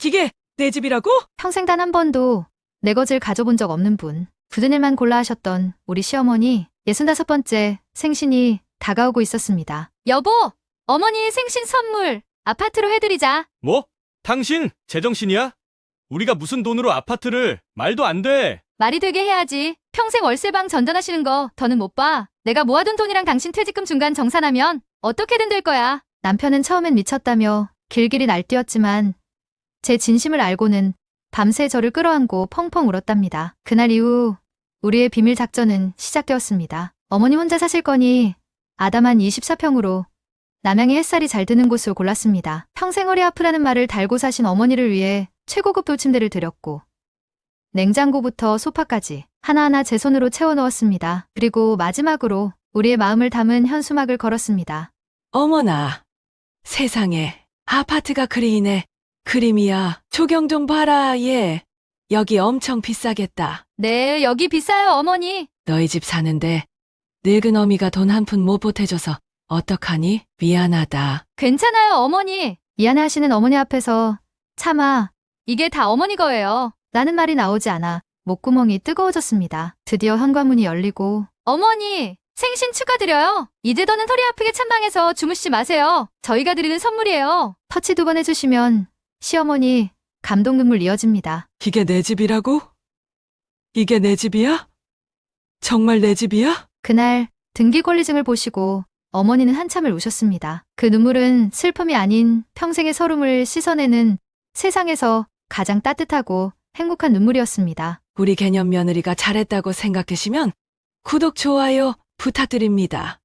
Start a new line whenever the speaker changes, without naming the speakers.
기계 내 집이라고?
평생 단 한 번도 내 것을 가져본 적 없는 분. 굳은 일만 골라 하셨던 우리 시어머니 65번째 생신이 다가오고 있었습니다. 여보! 어머니 생신 선물 아파트로 해드리자.
뭐? 당신 제정신이야? 우리가 무슨 돈으로 아파트를 말도 안 돼.
말이 되게 해야지. 평생 월세방 전전하시는 거 더는 못 봐. 내가 모아둔 돈이랑 당신 퇴직금 중간 정산하면 어떻게든 될 거야. 남편은 처음엔 미쳤다며 길길이 날뛰었지만 제 진심을 알고는 밤새 저를 끌어안고 펑펑 울었답니다. 그날 이후 우리의 비밀 작전은 시작되었습니다. 어머니 혼자 사실 거니 아담한 24평으로 남양의 햇살이 잘 드는 곳을 골랐습니다. 평생 허리 아프라는 말을 달고 사신 어머니를 위해 최고급 돌침대를 드렸고 냉장고부터 소파까지 하나하나 제 손으로 채워 넣었습니다. 그리고 마지막으로 우리의 마음을 담은 현수막을 걸었습니다.
어머나, 세상에 아파트가 그리네. 그림이야. 조경 좀 봐라, 얘. 여기 엄청 비싸겠다.
네, 여기 비싸요, 어머니.
너희 집 사는데 늙은 어미가 돈 한 푼 못 보태줘서 어떡하니? 미안하다.
괜찮아요, 어머니. 미안해하시는 어머니 앞에서 차마 이게 다 어머니 거예요. 라는 말이 나오지 않아 목구멍이 뜨거워졌습니다. 드디어 현관문이 열리고 어머니, 생신 축하드려요. 이제 더는 허리 아프게 찬방에서 주무시지 마세요. 저희가 드리는 선물이에요. 터치 2번 해주시면 시어머니 감동 눈물 이어집니다.
이게 내 집이라고? 이게 내 집이야? 정말 내 집이야?
그날 등기 권리증을 보시고 어머니는 한참을 우셨습니다. 그 눈물은 슬픔이 아닌 평생의 서름을 씻어내는 세상에서 가장 따뜻하고 행복한 눈물이었습니다.
우리 개념 며느리가 잘했다고 생각되시면 구독, 좋아요 부탁드립니다.